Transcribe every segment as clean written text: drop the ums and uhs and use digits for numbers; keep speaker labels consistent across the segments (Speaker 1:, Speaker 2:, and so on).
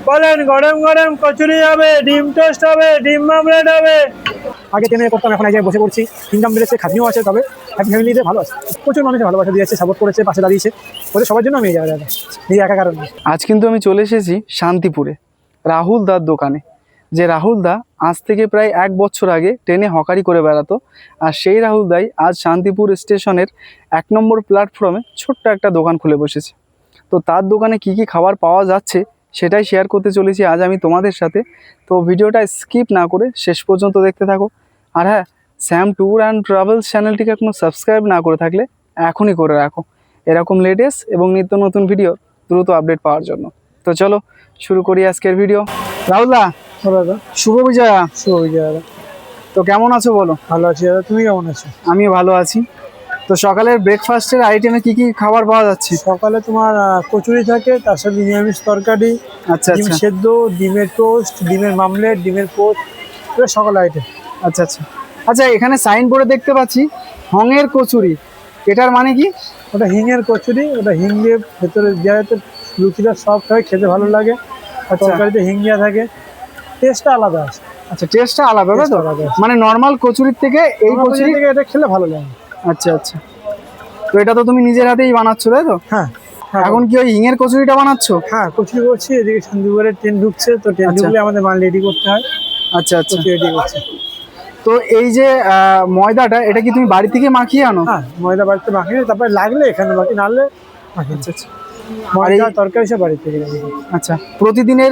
Speaker 1: বলেন গরম গরম কচুরি হবে, ডিম টোস্ট হবে, ডিম মামলেট হবে।
Speaker 2: আগে ট্রেনে করতাম, এখন এক জায়গায় বসে পড়ছি। ইনকাম বেড়েছে, খাটনিও আছে, তবে হ্যাপি ফ্যামিলিতে ভালো আছে। প্রচুর মানুষের ভালোবাসা দিয়েছে, সাপোর্ট করেছে, পাশে দাঁড়িয়েছে। ওদের সবার জন্য আমি এই জায়গায় এই একা কারণ।
Speaker 3: আজ কিন্তু আমি চলে এসেছি শান্তিপুরে রাহুল দার দোকানে। যে রাহুল দা আজ থেকে প্রায় 1 বছর আগে ট্রেনে হকারি করে বেড়াতো, আর সেই রাহুল দাই আজ শান্তিপুর স্টেশনের 1 নম্বর প্ল্যাটফর্মে ছোট্ট একটা দোকান খুলে বসেছে। তো তার দোকানে কি কি খাবার পাওয়া যাচ্ছে সেটাই শেয়ার করতে চলেছি আজ আমি তোমাদের সাথে। তো ভিডিওটা স্কিপ না করে শেষ পর্যন্ত দেখতে থাকো। আর হ্যাঁ, শ্যাম ট্যুর অ্যান্ড ট্রাভেলস চ্যানেলটিকে এখনো সাবস্ক্রাইব না করে থাকলে এখনই করে রাখো, এরকম লেটেস্ট এবং নিত্য নতুন ভিডিও দ্রুত আপডেট পাওয়ার জন্য। তো চলো শুরু করি আজকের ভিডিও। রাহুল দা,
Speaker 1: দাদা
Speaker 3: শুভ বিজয়া।
Speaker 1: শুভ বিজয় দাদা।
Speaker 3: তো কেমন আছো বলো?
Speaker 1: ভালো আছি দাদা, তুমি কেমন আছো?
Speaker 3: আমিও ভালো আছি। তো সকালের ব্রেকফাস্টের আইটেমে কি কি খাবার পাওয়া যাচ্ছে?
Speaker 1: সকালে তোমার কচুরি থাকে, তার সাথে নিরামিষ তরকারি,
Speaker 3: আচ্ছা
Speaker 1: ডিম
Speaker 3: আচ্ছা
Speaker 1: সেদ্ধ, ডিমের টোস্ট, ডিমের মামলেট, ডিমের পোস্ট, এটা সকাল আইটেম।
Speaker 3: আচ্ছা আচ্ছা আচ্ছা, এখানে সাইন বোর্ডে দেখতে পাচ্ছি হংয়ের কচুরি, এটার মানে কি?
Speaker 1: ওটা হিঙের কচুরি, ওটা হিং দিয়ে ভেতরে দেওয়া হয়তো লুচিটা সফট হয়, খেতে ভালো লাগে। আর
Speaker 3: আচ্ছা।
Speaker 1: তরকারিতে হিং দেওয়া থাকে, টেস্টটা আলাদা আছে।
Speaker 3: আচ্ছা, টেস্টটা আলাদা তাই তো?
Speaker 1: Taste আলাদা আছে।
Speaker 3: মানে নর্মাল কচুরির থেকে এই কচুরি।
Speaker 1: থেকে এটা খেলে ভালো লাগে।
Speaker 3: আচ্ছা আচ্ছা, তো এটা তো তুমি নিজের হাতেই বানাচ্ছো তাই তো?
Speaker 1: হ্যাঁ হ্যাঁ,
Speaker 3: এখন কি ওই হিঙের কচুরিটা বানাচ্ছো?
Speaker 1: হ্যাঁ কচুরি করছি। এদিকে শান্তিপুরের ট্রেন ঢুকছে, তো ট্রেন
Speaker 3: আচ্ছা।
Speaker 1: ঢুকলে আমাদের মাল রেডি করতে হয়।
Speaker 3: আচ্ছা আচ্ছা,
Speaker 1: কচুরি রেডি করছি।
Speaker 3: তো এই যে ময়দাটা, এটা কি তুমি বাড়ি থেকে মাখিয়ে আনো?
Speaker 1: হ্যাঁ, ময়দা বাড়িতে মাখিয়ে, তারপরে লাগলে এখানে বাকি, নাহলে মাখিয়ে।
Speaker 3: আচ্ছা আচ্ছা
Speaker 1: ময়দা তরকারি সব বাড়ি থেকে রেডি করি।
Speaker 3: আচ্ছা, প্রতিদিনের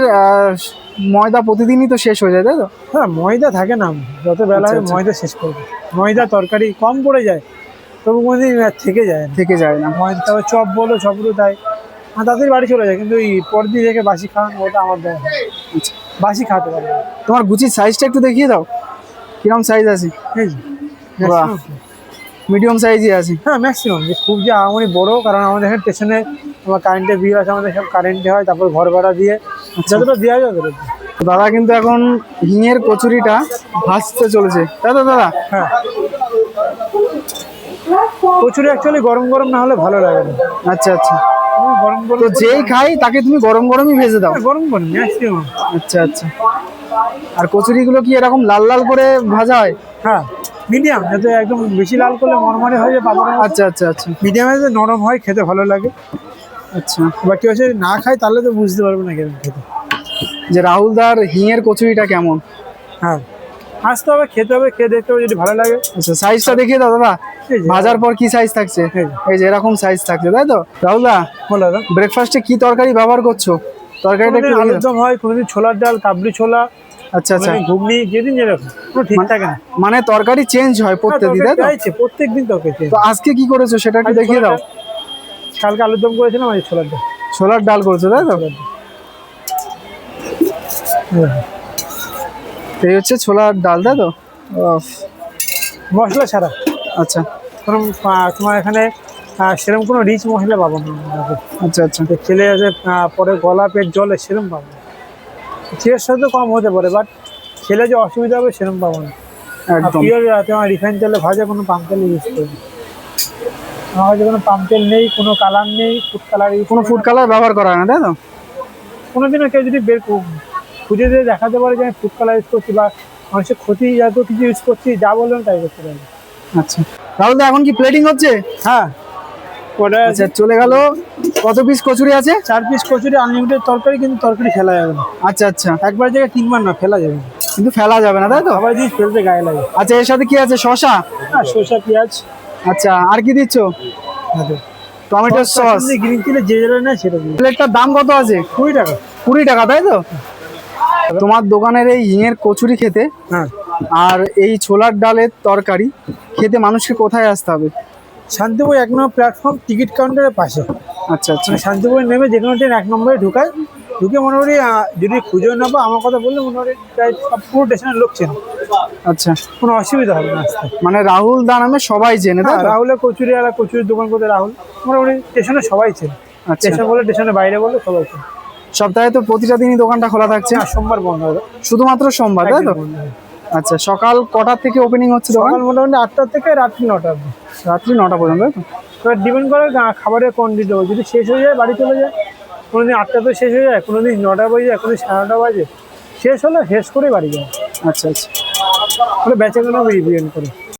Speaker 3: ময়দা প্রতিদিনই তো শেষ হয়ে যায় তাই তো?
Speaker 1: হ্যাঁ, ময়দা থাকে না, যত বেলা হয়
Speaker 3: আচ্ছা।
Speaker 1: ময়দা শেষ করবে। ময়দা তরকারি কম পড়ে যায়, তবু কোনোদিন থেকে যায় না।
Speaker 3: থেকে যায় না।
Speaker 1: ময়দা তারপর চপ বলো, চপগুলো তাই তাদের বাড়ি চলে যায়, কিন্তু ওই পরদিন রেখে বাসি খাওয়ানো ওটা আমার দেয় না।
Speaker 3: আচ্ছা,
Speaker 1: বাসি খাওয়াতে পারে না।
Speaker 3: তোমার গুচির সাইজটা একটু দেখিয়ে দাও, কিরকম সাইজ আছে?
Speaker 1: এই যে,
Speaker 3: বাহ,
Speaker 1: maximum।
Speaker 3: মিডিয়াম সাইজই আছে।
Speaker 1: হ্যাঁ ম্যাক্সিমাম, যে খুব যে আমারই বড়, কারণ আমাদের এখানে স্টেশনে আমার কারেন্টের বিল আছে, আমাদের সব কারেন্টে হয়, তারপর ঘর ভাড়া দিয়ে যতটা দেওয়া যায় ততটা দিই।
Speaker 3: তো দাদা কিন্তু এখন হিঙের কচুরিটা ভাজতে চলেছে তাই তো দাদা?
Speaker 1: হ্যাঁ, কচুরি অ্যাকচুয়ালি গরম গরম না হলে ভালো লাগে না।
Speaker 3: আচ্ছা আচ্ছা,
Speaker 1: তুমি গরম গরম
Speaker 3: তো যেই খাই তাকে তুমি গরম গরমই ভেজে দাও?
Speaker 1: গরম গরম ম্যাক্সিমাম।
Speaker 3: আচ্ছা আচ্ছা, আর কচুরিগুলো কি এরকম লাল লাল করে ভাজা হয়?
Speaker 1: হ্যাঁ, মিডিয়াম, যাতে একদম বেশি লাল করলে মরমরে হয়ে যায় পাপড়।
Speaker 3: আচ্ছা আচ্ছা আচ্ছা
Speaker 1: মিডিয়ামে যাতে নরম হয়, খেতে ভালো লাগে।
Speaker 3: আচ্ছা,
Speaker 1: এবার কেউ যদি না খায় তাহলে তো বুঝতে পারবে না কেমন খেতে।
Speaker 3: যে রাহুলদার হিঙের কচুরিটা কেমন?
Speaker 1: হ্যাঁ, আসতে হবে, খেতে হবে, খেয়ে দেখতে হবে, যদি ভালো লাগে।
Speaker 3: আচ্ছা, সাইজটা দেখিয়ে দাও দাদা।
Speaker 1: এই যে,
Speaker 3: ভাজার পর কি সাইজ থাকছে?
Speaker 1: এই যে।
Speaker 3: এই যে এরকম সাইজ থাকছে তাই তো? রাহুলদা,
Speaker 1: বলো দাদা।
Speaker 3: ব্রেকফাস্টে কি তরকারি ব্যবহার করছো? তরকারিটা একটু
Speaker 1: কোনোদিন
Speaker 3: দেখিয়ে
Speaker 1: আলুর
Speaker 3: দাও।
Speaker 1: দম হয়, কোনোদিন ছোলার ডাল, কাবলি ছোলা,
Speaker 3: আচ্ছা আচ্ছা,
Speaker 1: কোনোদিন ঘুগনি, যেদিন যেরকম, কোনো ঠিক থাকে না।
Speaker 3: মানে তরকারি চেঞ্জ হয় প্রত্যেকদিন তাই তো?
Speaker 1: প্রত্যেক দিন তরকারি।
Speaker 3: তো আজকে কি করেছো সেটা একটু দেখিয়ে দাও।
Speaker 1: কালকে আলুর দম করেছিলাম, আজ ছোলার ডাল।
Speaker 3: ছোলার ডাল করেছো তাই তো? এই হচ্ছে ছোলার ডাল তাই তো?
Speaker 1: মশলা ছাড়া।
Speaker 3: আচ্ছা
Speaker 1: কোনো তোমার এখানে সেরকম কোনো রিচ মশলা পাবো না।
Speaker 3: আচ্ছা আচ্ছা,
Speaker 1: যে খেলে আছে পরে গলা পেট জলে, সেরকম পাবো না। চিয়ার সাথে কম হতে পারে, বাট খেলে যে অসুবিধা হবে সেরকম পাবো না।
Speaker 3: একদম।
Speaker 1: পিওর তোমার রিফাইন তেলে ভাজা, কোনো পাম তেল ইউজ করি। আমার কাছে কোনো পাম তেল নেই, কোনো কালার নেই, ফুড কালার ইউজ,
Speaker 3: কোনো ফুড কালার ব্যবহার করা হয় না তাই তো?
Speaker 1: কোনোদিনও কেউ যদি খুঁজে দিয়ে দেখাতে পারে যে আমি ফুড কালার ইউজ করছি বা মানুষের ক্ষতি জাতীয় কিছু ইউজ করছি, যা বলবেন তাই করতে পারবে।
Speaker 3: আচ্ছা, রাহুলদা এখন কি প্লেটিং হচ্ছে?
Speaker 1: হ্যাঁ, ওটা
Speaker 3: আচ্ছা, চলে গেল। কত পিস কচুরি আছে?
Speaker 1: 4 পিস কচুরি, আনলিমিটেড তরকারি, কিন্তু তরকারি ফেলা যাবে না।
Speaker 3: আচ্ছা আচ্ছা,
Speaker 1: একবার জায়গায় 3 বার না, ফেলা যাবে না।
Speaker 3: কিন্তু ফেলা যাবে না তাই তো?
Speaker 1: সবাই জিনিস ফেলতে গায়ে লাগে।
Speaker 3: আচ্ছা, এর সাথে কি আছে? শসা?
Speaker 1: হ্যাঁ, শসা, পেঁয়াজ,
Speaker 3: আচ্ছা, আর কি দিচ্ছ? টমেটো সস,
Speaker 1: গ্রিন চিলি, যে যেটা নেয় সেটা দিই।
Speaker 3: প্লেটটার দাম কত আছে?
Speaker 1: 20 টাকা।
Speaker 3: 20 টাকা তাই তো? তোমার দোকানের এই হিঙের কচুরি খেতে
Speaker 1: হ্যাঁ,
Speaker 3: আর এই ছোলার ডালের তরকারি খেতে মানুষকে কোথায় আসতে হবে?
Speaker 1: শান্তিপুর 1 নম্বর প্ল্যাটফর্ম, টিকিট কাউন্টারের পাশে।
Speaker 3: আচ্ছা আচ্ছা,
Speaker 1: মানে শান্তিপুরে নেমে যে কোনো ট্রেন 1 নম্বরে ঢুকায়, ঢুকে মোটামুটি যদি খুঁজেও না পাও, আমার কথা বললে মোটামুটি প্রায় সব পুরো স্টেশনের লোক চেনে।
Speaker 3: আচ্ছা,
Speaker 1: কোনো অসুবিধা হবে না আসতে।
Speaker 3: মানে রাহুল দা নামে সবাই চেনে তাই
Speaker 1: হ্যাঁ,
Speaker 3: তো?
Speaker 1: রাহুলের কচুরি, আর কচুরির দোকান করতে রাহুল, মোটামুটি স্টেশনে সবাই চেনে।
Speaker 3: আচ্ছা,
Speaker 1: স্টেশন বলে, স্টেশনের বাইরে বলে সবাই চেনে।
Speaker 3: সপ্তাহে তো প্রতিটা দিনই দোকানটা খোলা থাকছে?
Speaker 1: হ্যাঁ, সোমবার বন্ধ হবে।
Speaker 3: শুধুমাত্র সোমবার তাই তো?
Speaker 1: একদিন বন্ধ হবে।
Speaker 3: আচ্ছা, সকাল কটার থেকে ওপেনিং হচ্ছে দোকান?
Speaker 1: সকাল মোটামুটি 8টা থেকে রাত্রি 9টা অবধি।
Speaker 3: রাত্রি 9টা পর্যন্ত তাই তো?
Speaker 1: এবার ডিপেন্ড করে খাবারের কোয়ান্টিটি, যদি শেষ হয়ে যায় বাড়ি চলে যায়, কোনোদিন 8টা তো শেষ হয়ে যায়, কোনোদিন 9টা বাজে যায়, কোনোদিন 9:30 বাজে। শেষ হলে শেষ করে বাড়ি যায়,
Speaker 3: আচ্ছা আচ্ছা।
Speaker 1: বেচা কেনা ডিপেন্ড করে।